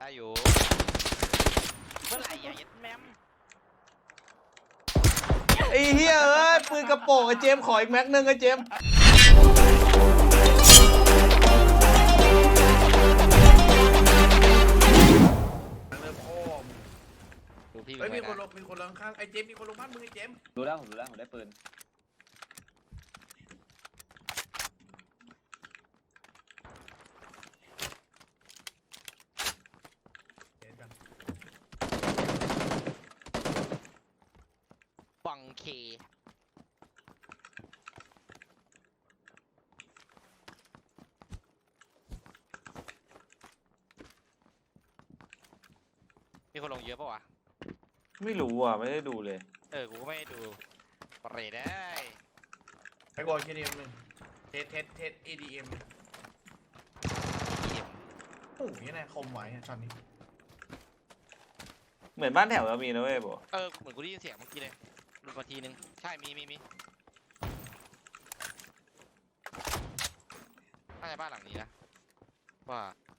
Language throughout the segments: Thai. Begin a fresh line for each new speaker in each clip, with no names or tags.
ได้อยู่เมื่อไหร่ยัดแมม
ไอ้เหี้ยเอ้ยปืนกระโปรงไอ้เจมขออีกแม็กนึงไอ้เจม
เริ่มโอ้ม
ดูพี่
เฮ้ยมีคนล
ล
งข้างไอ้เจมมีคนลงบ้านมึงไอ้เจม
รู้แล้วผมได้ปืน
บังเคมีคนลงเยอะปะวะ
ไม่รู้อ่ะไม่ได้ดูเลย
กูก็ไม่ได้ดูปรีได้
ไอ้บอลเคดีเอ็มหนึ่งเทส ADM โอ้ยนี่นะคมไหวช็อตนี้
เหมือนบ้านแถวเรามีนะเว้ยบอก
เหมือนกูได้ยินเสียงเมื่อกี้เลยหลุดมาทีนึงใช่มีน่าจะบ้านหลังนี้นะว่า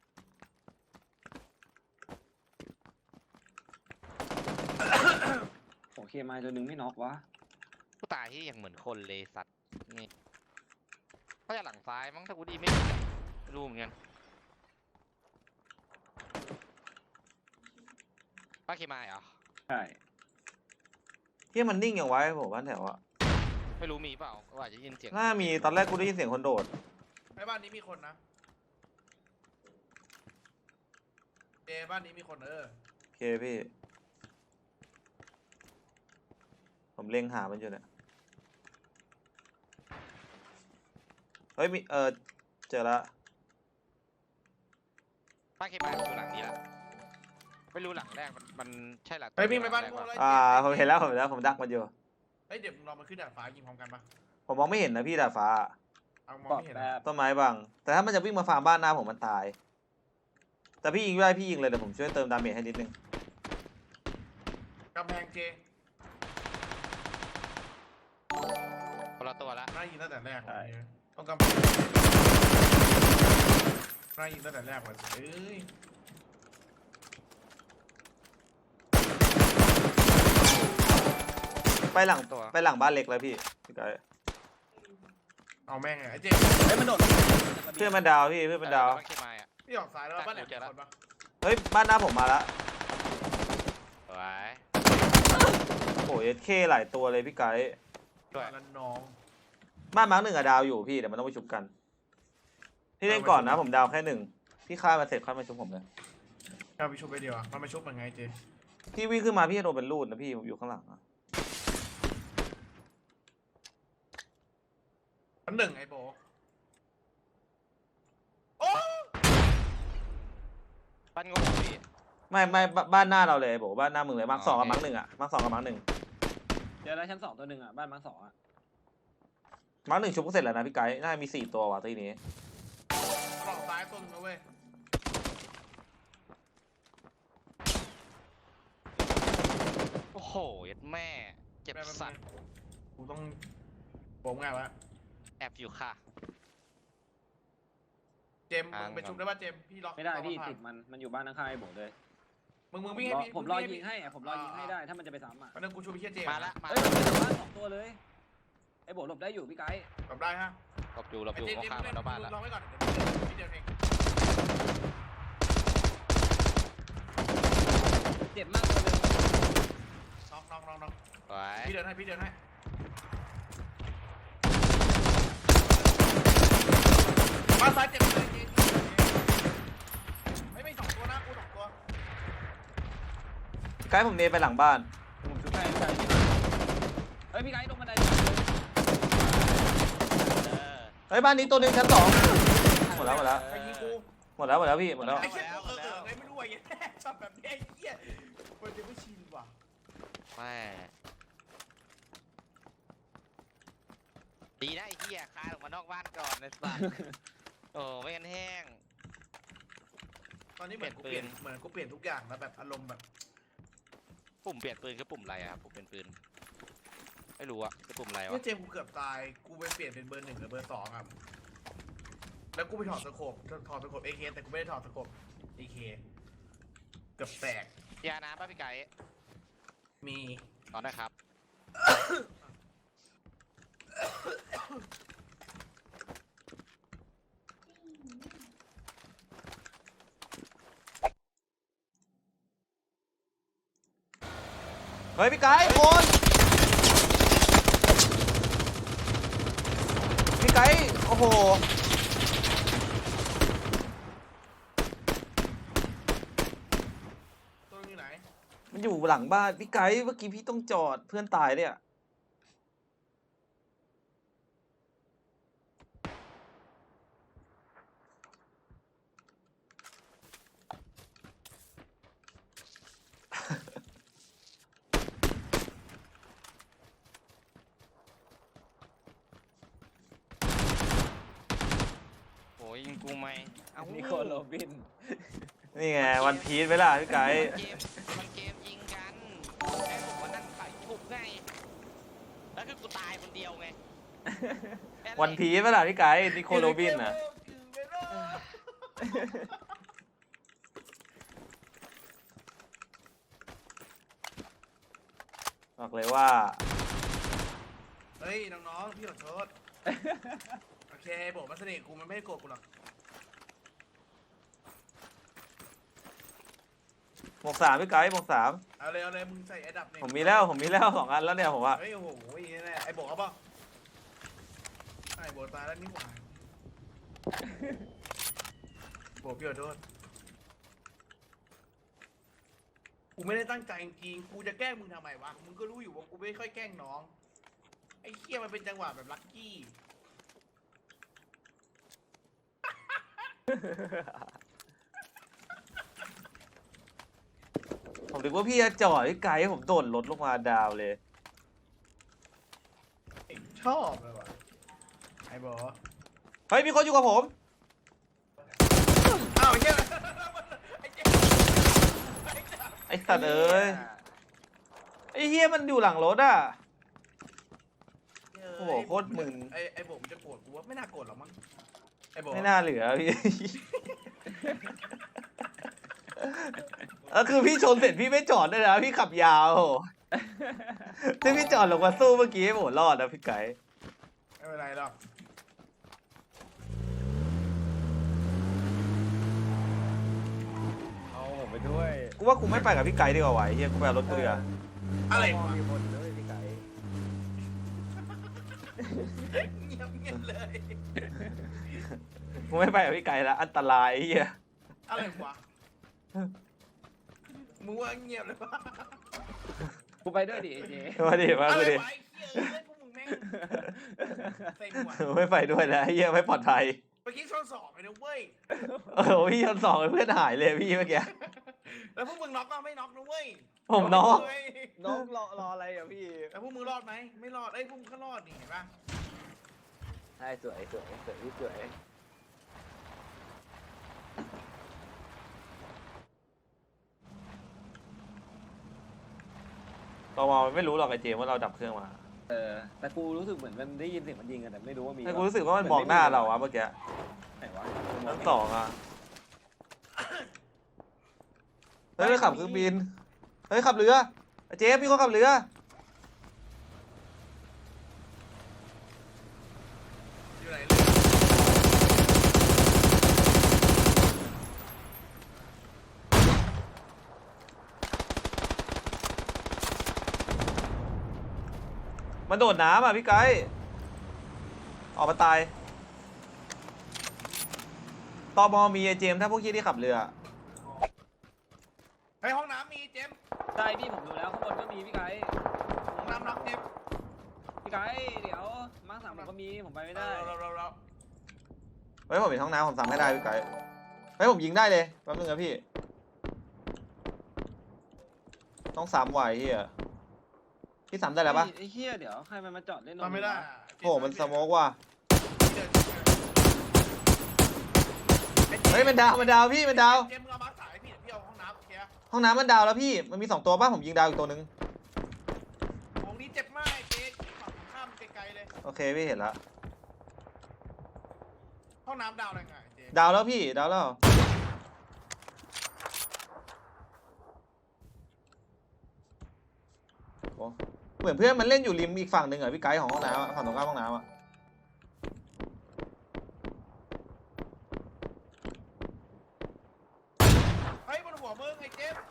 โอเคมาตัวหนึ่งไม่น็อกวะ
ผู้ตายที่ยังเหมือนคนเลยสัตว์นี่เขาจะหลังซ้ายมั้งถ้ากูดีไม่รู้เหมือนกันป้าเคมายเหรอ
ใช่
เหี้ยมันนิ่งอย่างไว้ผมบ้านแถวอ่ะ
ไม่รู้มีเปล่าว่าจะยินเสียง
น่ามีตอนแรกกูได้ยินเสียงคนโดด
ไอ้บ้านนี้มีคนนะบ้านนี้มีคน
โอเคพี่ผมเล็งหามันอยู่เนี่ยเฮ้ยมีเจอละ
ป้าเคมายอยู่หลังนี้แล้วไม่รู้หลังแรกมันใช่หลัง
ไอ้วิ่งไปบ้าน
แรก
กู
ปะ
เลย
ผมเห็นแล้วผมดักมันอยู่
เฮ้ยเดี๋ยวเรามาขึ้นดาดฟ้ายิงพร้อมกันปะ
ผมมองไม่เห็นนะพี่ดาดฟ้า
เอามอง
ปลอด
ไม่เห็น
แบ
นะ
บ
ต้นไม้บังแต่ถ้ามันจะวิ่งมาฟาร์มบ้านหน้าผมมันตาย แต่พี่ยิงได้พี่ยิงเลยเดี๋ยวผมช่วยเติมดาเมจให้นิดนึง
กำแพงเจ
คนละตัวละ
น่ายิงตั้งแต่แรกต้องกำแพงน่ายิงตั้งแต่แรกว่ะเอ้ย
ไปหลังบ้านเล็กแล้วพี่พี่ไก่
เอาแม่งไงไอ้เจ
เฮ้ยมันโดด
เพื่อนมันดาวพี่เพื่อนมันดาว
ป้าเคมายอ่ะ
พี่ออกซ้ายแล้วบ้านไหนมีคนปะ
เฮ้ยบ้านหน้าผมมาละ
สวย
โอ้ยเคหลายตัวเลยพี่ไก่
ด้วย
แล้วน้อง
บ้านมาร์คหนึ่งอะดาวอยู่พี่เดี๋ยวมันต้องไปชุบกันพี่เล่นก่อนนะผมดาวแค่หนึ่งพี่ฆ่ามาเสร็จค่อยมาชุบผมเลย
เอาไปชุบไปเดียวอ่ะมันมาชุบมันไงเจ
พี่วิ่งขึ้นมาพี่จะโดนเป็นรูดนะพี่ผมอยู่ข้างหลังอะ
อันหนึ่งไอ้โบโอ้
บ้านงงพี่
ไม่บ้านหน้าเราเลยบอกบ้านหน้ามึงเลยมาร์คสองกับมาร์คหนึ่งอะมาร์คสองกับมาร์คหนึ่ง
เดี๋ยวแล้วชั้น2ตัวหนึ่งอ่ะบ้านมาร์ค2อ่ะ
มาร์คหนึ่งชุบก็เสร็จแล้วนะพี่ไก่น่าจะมี4ตัวว่ะทีนี้
ออกซ้ายต้นนะเว้ย
โอ้โหยัดแม่เจ็บสัตว์
กูต้องโป่งไงวะ
แอบอยู่ค่ะ
เจมมึงไปชุบได้ป่ะเจมพี่ล็อก
ไม่ได้พี่ติดมันอยู่บ้านข้างๆไอ้โบเลย
มึงวิ่งให้พี่
ผมรอยิงให้ผมรอยิงให้ได้ถ้ามันจะไปซ้ำอ่ะ
วันนึงกูชุบพี่เจม
มาละ
เฮ้ยมันเป็นบ้าน2ตัวเลยไอ้โบหลบได้อยู่พี่ไกด์
กลับได้ฮะ
หลบอยู่เขาข้ามมาแล้วบ้านแล้ว
ลองไว้ก่อนพี่เดินเอง
เจ็บมากตัวนึง
น้อง
สวย
พี่เดินให้มาซ้ายเจ็บเลยเจไม่2ตัวนะกู2ตัว
ไก่ผมเนไปหลังบ้าน
ผมชุบให้เฮ้ยพี่ไกด์ลงบันได
เฮ้ยบ้านนี้ตัวหนึ่งชั้นสองหมดแล้ว
ไอ้ยิงกู
หมดแล้วพี่หมดแล้ว
ไอ้เชี่ยไงไม่รู้ไอ้เหี้ยชอบแบบนี้ไอ้เหี้ยมันจะไม่ชินว่ะ
แม่ดีนะไอ้เหี้ยคายออกมานอกบ้านก่อนนะสัตว์โอ้ไม่งั้นแห้ง
ตอนนี้เหมือนกูเปลี่ยนทุกอย่างแล้วแบบอารมณ์แบบ
ปุ่มเปลี่ยนปืนคือปุ่มอะไรอะครับปุ่มเปลี่ยนปืนไม่รู้อะคือปุ่มอะไร
เมื่
วะ
อเจมกูเกือบตายกูไปเปลี่ยนเป็นเบอร์1หรือเบอร์2อ่ะแล้วกูไปถอดสโคปAK แต่กูไม่ได้ถอดสโคปAK กือบแตก
ยาน้ำป่ะพี่ไก่
มี
ตอนได้ครับ
เฮ้ยพี่ไก่คนพี่ไก่โอ้โห
ตัวอยู่ไหน
มันอยู่หลังบ้านพี่ไก่เมื่อกี้พี่ต้องจอดเพื่อนตายเนี่ย
โอ้ยยิงกูไหมเอ้า
นิโคลโรบิน
นี่ไงวันพีชไหมล่ะพี่ไก่
มันเกมยิงกันแค่ผมว่านั่งใส่ถูกไงแล้วคือกูตายคนเดียวไงแค่
วันพีชไหมล่ะพี่ไก่นิโคลโรบินอ่ะบอกเลยว่า
เฮ้ยน้องๆพี่ขอโทษโอเคบอกมาเสน่ห์กูมันไม่ได้โกรธกูหรอก
หมวกสามพี่ไก่หมวกสาม
เอาเลยมึงใส่ไอ้ดับเนี่ย
ผมมีแล้ว2 อันแล้วเนี่ยผมว่า
เฮ้ยโอ้โหนี่แน่ไอ้บอกเอาเปล่าไอ้บอกตายแล้วนี่หว่าบอกพี่ขอโทษกูไม่ได้ตั้งใจจริงๆกูจะแกล้งมึงทำไมวะมึงก็รู้อยู่ว่ากูไม่ค่อยแกล้งน้องไอ้เคี้ยมันเป็นจังหวะแบบลัคกี้
ผมนึกว่าพี่จะจอดพี่ไก่ให้ผมโดดรถลงมาดาวเลย
ชอบเลยว่ะไอ้บอก
เฮ้ยมีคนอยู่กับผม
อ้าวไอ้เหี้ยไอ้เจ๊
ไอ้สัตว์เอ้ยไอ้เฮียมันอยู่หลังรถอ่ะ โอ้โหโคตรมึน
ไอ้บอกมันจะโกรธกูว่าไม่น่าโกรธหรอกมั้งไอ้บอก
ไม่น่าเหลือพี่ ก็คือพี่ชนเสร็จพี่ไม่จอดด้วยนะพี่ขับยาวถ้าพี่จอดลงมาสู้เมื่อกี้โหรอดนะพี่ไก่
ไม่เป็นไรหรอก
เอาผมไปด้วย
กูว่ากูไม่ไปกับพี่ไก่ดีกว่าไหวเฮียกูไปเอารถกูดีกว่า
อะไร
มอง
วะ
มีคนด้วยพี่ไก่
เงียบเลย
กูไม่ไปกับพี่ไก่ละอันตรายเฮีย
อะไรวะมึงว่าเงียบเลยปะ
กูไปด้วยดิไอ้เจ
มาดิมา
อะไร
ดิ
วะไอ้เหี้ยเอ้ยพวกมึงแม่งเซ็งว่ะ
ไม่ไปด้วยแล้วเฮียไม่ปลอดภัย
เมื่อกี้ชนสองเลยนะเว้ย
โอ้โหพี่ชน2เพื่อนหายเลยพี่เมื่อกี้
แล้วพวกมึงน็อกก็ไม่น็อกนะเว้ย
ผมน็อก
เว้ย
น้องรออะไรอ่ะพี่
แล้วพวกมึงรอดไหมไม่รอดไอ้ยพวกมึงก็รอดนี่เห็นปะ
ใช่สวยพี่สวย
ตอมอมันไม่รู้หรอกไอ้เจมส์ว่าเราดับเครื่องมา
แต่กูรู้สึกเหมือนมันได้ยินเสียงมันยิงกันแต่ไม่รู้ว่ามี
แต่กูรู้สึกว่ามันมองหน้าเราอะเมื่อกี้
ไหนวะ
ชั้น2อะเฮ้ยขับเครื่องบินเฮ้ยขับเรือไอ้เจมส์พี่เขาขับเรือ
อยู่ไหนเลย
มันโดดน้ำอ่ะพี่ไกด์ออกมาตายตอมอมีไอ้เจมส์ถ้าพวกยี่ที่ขับเรือ
เฮ้ยห้องน้ำมีเจมส์
ใช่พี่ผมดูแล้วข้างบนก็มีพี่ไก่
ห้องน้ำน็อกเจมส์
พี่ไก่เดี๋ยวมาร์ค3ผมก็มีผมไปไม่ได้
เรา
เฮ้ยผมเห็นห้องน้ำผมสั่งให้ได้พี่ไกด์เฮ้ยผมยิงได้เลยแป๊บนึงนะพี่ต้อง3ไหวเฮียพี่3ได้แล้วปะ
ไอ้เหี้ยเดี๋ยวใครมันมาจอดเล่น
ทำไม่ได้
โอ้มันสโมกว่ะเฮ้ยมันดาวพี่มันดาว
เจมส์มึงเอามาสายพี่เดี๋ยวพี่เอาห้องน้ำโอเคอะ
ห้องน้ำมันดาวแล้วพี่มันมี2ตัวป่ะผมยิงดาวอีกตัวนึง
ของนี้เจ็บมากไอ้เจ๊ฝั่งข้ามไกลๆเลย
โอเคพี่เห็นละ
ห้องน้ำดาวอะไรไงเจ๊
ดาวแล้วพี่ดาวแล้วอ้เหมือนเพื่อนมันเล่นอยู่ริมอีกฝั่งหนึ่งเหรอพี่ไกด์ของห้องน้ำอะฝั่งตรงข้ามห้องน้ำอะ
เฮ้ยบนหัวมึงไอ้เจมส์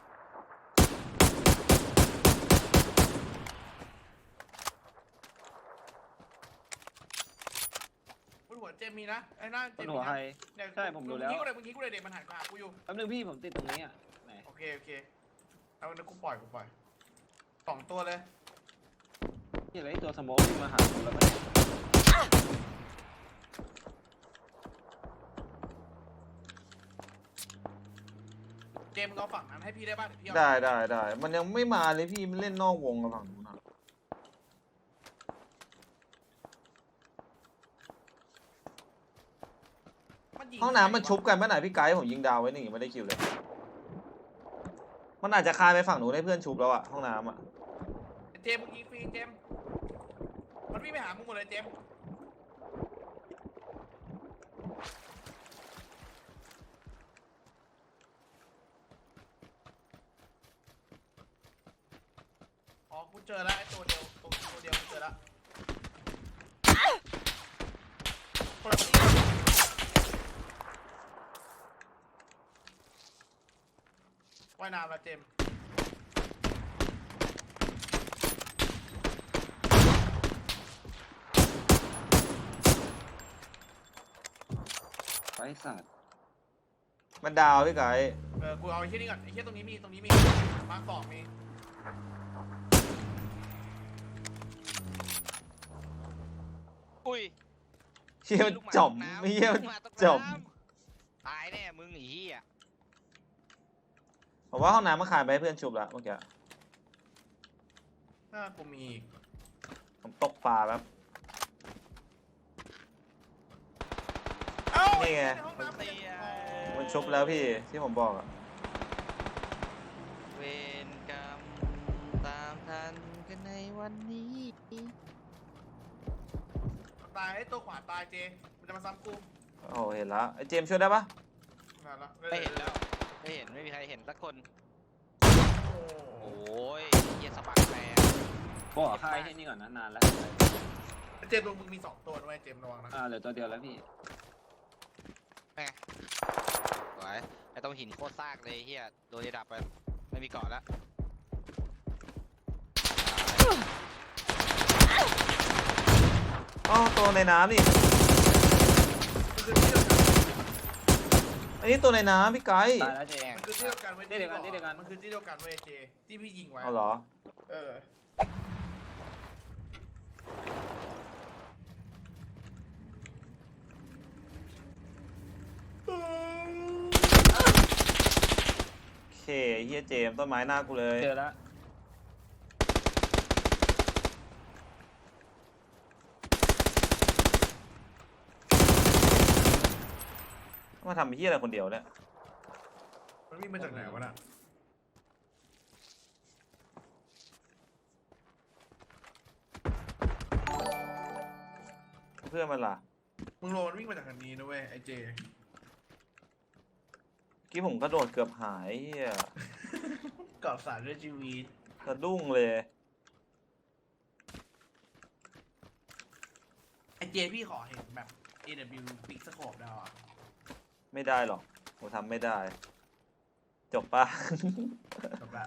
บนหัวเจมส์มีนะไอ้หน้าเจ
บ
ม
น
ส์
หัว
มี
ใคร
นะเนี่ย
ใช่ผมดูแล้ว
มึงยิงกูเลยเด็กมันหันมาหากูอยู่
แป๊บนึงพี่ผมติดตรงนี้อ่ะไหน
โอเคเอาเดี๋ยวกูปล่อยสองตัวเลย
นี่อะไรตัวสโมกวิ่งมาหาผมแล้วก็
เจมส์มึงเอาฝั่งนั้นให้พี่ได้ป่ะเดี๋ยวพี่เอา
ได้มันยังไม่มาเลยพี่มันเล่นนอกวงกับฝั่งนู้นอะ
ยิ
ห้องน้ำมันชุบกันเมื่อไหร่พี่ไกด์ผมยิงดาวไว้หนึ่งยังไม่ได้คิวเลยมันอาจจะคานไปฝั่งนู้นให้เพื่อนชุบแล้วอะห้องน้ำอะ
เจมส์มึงยิงฟรีเจมส์มันวิ่งไปหามึงหมดเลยเจมส์อ๋อกูเจอแล้วไอ้ตัวเดียวกูเจอแล้วคนละที่ว่ายน้ำแล้วเจมส์
ไอ้สัตว์
มันดาวพี่ไกด์
กูเอาไอ้เชี่ยนี่ก่อนไอ้เชี่ยตรงนี้มีมาร์ค 2มี
อุ้ย
เชี่ยมันจ่อมไม่เชี่ยมันจ่อม
ตายแน่มึงไอ้เหี้ย
ผมว่าห้องน้ำมันคานไปให้เพื่อนชุบแล้วเมื่อกี้
หน้ากูมีอีก
ผมตกปลาแป๊บ
เอ้า
นี่ไง
ในห้องน้ำเตีย
มันชุบแล้วพี่ที่ผมบอกอะ
เวรกรรมตามทันกันในวันนี้
ตายไอ้ตัวขวาตายเจมันจะมาซ้ำกู
โอ้เห็นแล้วไอ้เจมส์ช่วยได้ปะ
นั่นละ
ไม่เห็นแล้วไม่มีใครเห็นสักคน
โอ้
โอ้ยเหี้ยสะบักแรง
ก็ค่ายให้นี่ก่อนนะนานแล้ว
เจตัวมึงมี2ตัวด้วยเจมระวังนะ
เหลือตัวเดียวแล้วพี่
สวยไอ้ตรงหินโคตรซากเลยเฮียโดนดับไปไม่มีเกาะแล้ว
อ๋อตัวในน้ำนี่
มันคือที่เดียวกัน
อันนี้ตัวในน้ำพี่ไกด์
ตายแล้วเจง
มันคือที่เดียวกันเว้ย
ที่เดียวกันที่เดียวกัน
มันคือที่เดียวกันเว้ยเจที่พี่ยิงไว้
เอาเหรอ
เออ
โอเคเฮียเจมส์ต้นไม้หน้ากูเลย
เจอแล้ว
มาทำเฮียอะไรคนเดียวเนี่ย
มันวิ่งมาจากไหนวะน่ะ
เพื่อนมันล่ะ
มึงโรมันวิ่งมาจากทางนี้นะเว้ยไอ้เจ
เมื่อกี้ผมกระโดดเกือบหายเฮีย
กอบสารด้วยชีวิต
สะดุ้งเลย
ไอ้เจพี่ขอเห็นแบบ AW Big Scope ได้ป่ะ
ไม่ได้หรอกผมทำไม่ได้ จบปะ
แบบ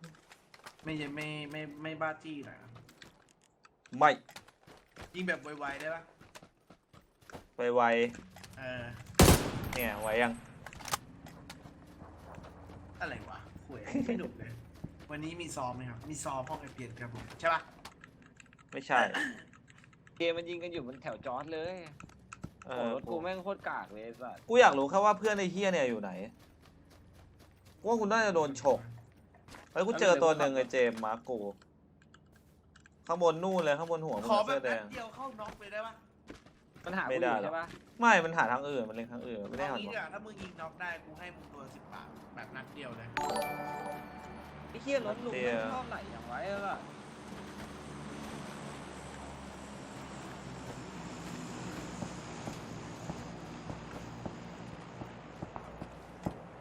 ไม่บ้าจี้หน่อยนะ
ไม่
ยิงแบบไวๆได้ป่ะ
ไว
เออ
ๆเนี่ยไวยัง
อะไรวะคุยไม่หนุกเลย วันนี้มีซ้อมไหมครับ มีซ้อมห้องไอเพียนครับผมใช่ป่ะ
ไม่ใช่
เกมมันยิงกันอยู่บนแถวจอร์ดเลย
เอ
โอ้
อ
รถกูแม่งโคตรกากเลยสัตว์
กูอยากรู้แค่ว่าเพื่อนไอ้เฮียเนี่ยอยู่ไหนกูว่าคุณน่าจะโดนฉกเฮ้ยกูเจอตัวหนึ่งไอ้เจมส์มาร์คกูข้างบนนู่นเลยข้างบนหัวมึง
ขอ
อะ
แบ
เสื้
บ
อแด
นัด
ง
เดียวเข้าน็อกเลยได้ป่ะ
มันหา
ไม่
กูอ
ได้
ยู่
หรอก
ใช่ปะ
ไม่มันหาทางอื่นมันเล็งทางอื่นไม่ได้
เอา
หัน
งี้
ห
เดี๋
ร
ยวถ้ามึงยิงน็อกได้กูให้มึงตัว10 บาทแบบนัดเดียวเลย
ไอ้เหี้ยรถลุงแม่งชอบไหลอย่างไว้แล้วอะ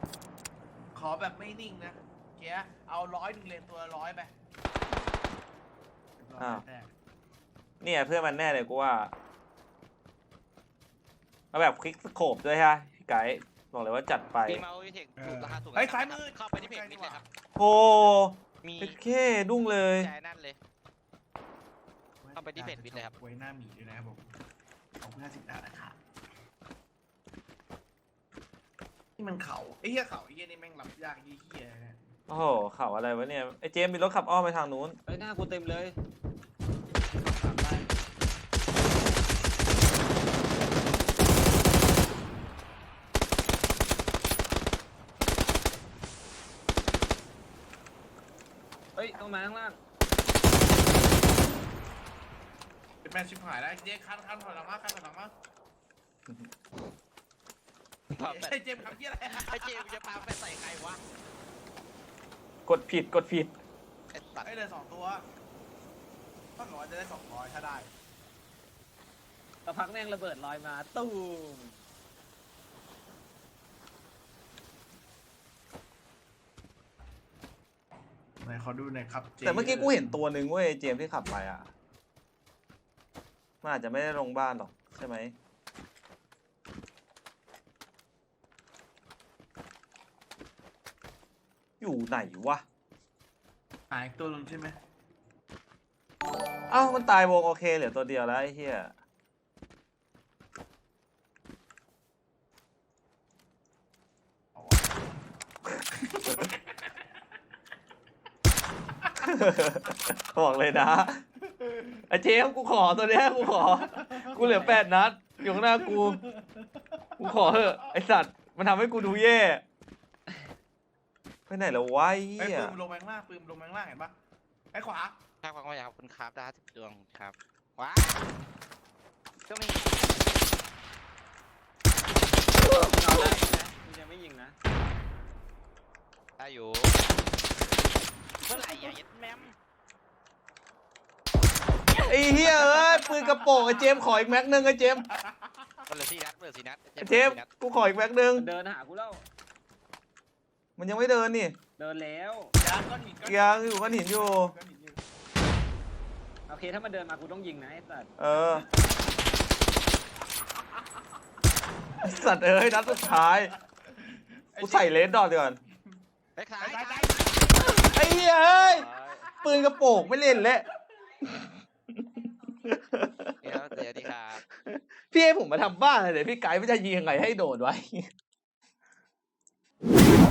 ขอแบบไม่นิ่งนะเกียเอา100 เลนตัวละ100ไป
อ้าว
แต่
เนี่ยเพื่อนมันแน่เลยกูว่าเอาแบบคลิกสโคปด้วยฮะพี่ไก่บอกเลยว่าจัดไป
มีเมาส์วิเทคถูกราคาถูก
ไอ้ยซ้ายมือ
เข้าไปที่เพจมิดเลยครับ
โอ้
มี
โอเคดุ้งเลย
ใจนั่นเลย เข้าไปที่เพจวิทย์เลยครับ
ไว้หน้าหมีด้วยนะครับผมเอาเพื่อ50 ดาวนะครับนี่มันเขาไอ้เหี้ยเขาไอ้เหี้ยนี่แม่งรับยากยี่เหี้ยเนี่ย
โอ้โหข่าวอะไรวะเนี่ยไอ้เจมส์มีรถขับอ้อมไปทางนู้น
เฮ้ยหน้ากูเต็มเลย
ถามได้
เฮ้ยต้องมาข้างล่าง
เป็นแมนชิบหายแล้วเจ๊คันถอยหลังมาคันถอยหลังมา
ปาแฟด
ไอ้เจมส์ทำเหี้ยอะไร
ไอ้เจมส์จะปาแฟดใส่ใครวะ
กดผิด
ไอ้สัตว์
ไอ้เลย2 ตัวถ้าหนูจะได้200ถ้าได้
สักพักแม่งระเบิดลอยมาตูม
ไหนขอดูหน่อยครับจ
แต่เมื่อกี้กูเห็นตัวหนึ่งเว้ยเจมส์ที่ขับไปอ่ะมันอาจจะไม่ได้ลงบ้านหรอกใช่ไหมอยู่ไหนวะ
หายตัวนึงใช่ไหม
เอ้ามันตายวงโอเคเหลือตัวเดียวแล้วไอ้เหี้ย
เอาวะ
บอกเลยนะไอ้เจมส์กูขอตัวเนี้ยกูขอ กูเหลือ8 นัดอยู่ข้างหน้ากูขอเถอะไอสัตว์มันทำให้กูดูแย่ไปไหนแล้ววะไอ้
ไอ้
เหี้ย
ปืนลงแมงล่างปืนลงแมงล่างเห็นปะไอ้ขวา
ข้างฟังว่าอยากขอบคุณครับดาว10 ดวงครับว้าก็มี
เอาได้นะมึงยังไม่ยิงนะ
ได้อยู่เมื่อไหร่อย่ายัดแมม
ไอ้เหี้ยเอ้ยปืนกระโปรงไอ้เจมส์ขออีกแม็กนึงไอ้เจมส์
มันเหลือ4 นัดเหลือ4 นัด
ไอ้เจมส์กูขออีกแม็กนึง
มันเดินหากูแล้ว
มันยังไม่เดินนี่
เดินแล้ว
ยางก้อนหิน
ยังอยู่ก้อนหินอยู่
ก้อนหินอยู่
โอเคถ้ามันเดินมากูต้องยิงนะไอ้สัตว์
เออไอ้สัตว์เอ้ยนัดสุดท้ายกูใส่เลนดอทก่อน
ไอ้ขาย
ซ้าย
ขา
ซ้าย ย
ไอ้เหี้ยเอ้ยปืนกระโปรงไม่เล่นแล้ว
เดี๋ยวดีครับ
พี่ให้ผมมาทำบ้านเลยเดี๋ยวพี่ไกด์ไม่จะยิงยังไงให้โดดไว้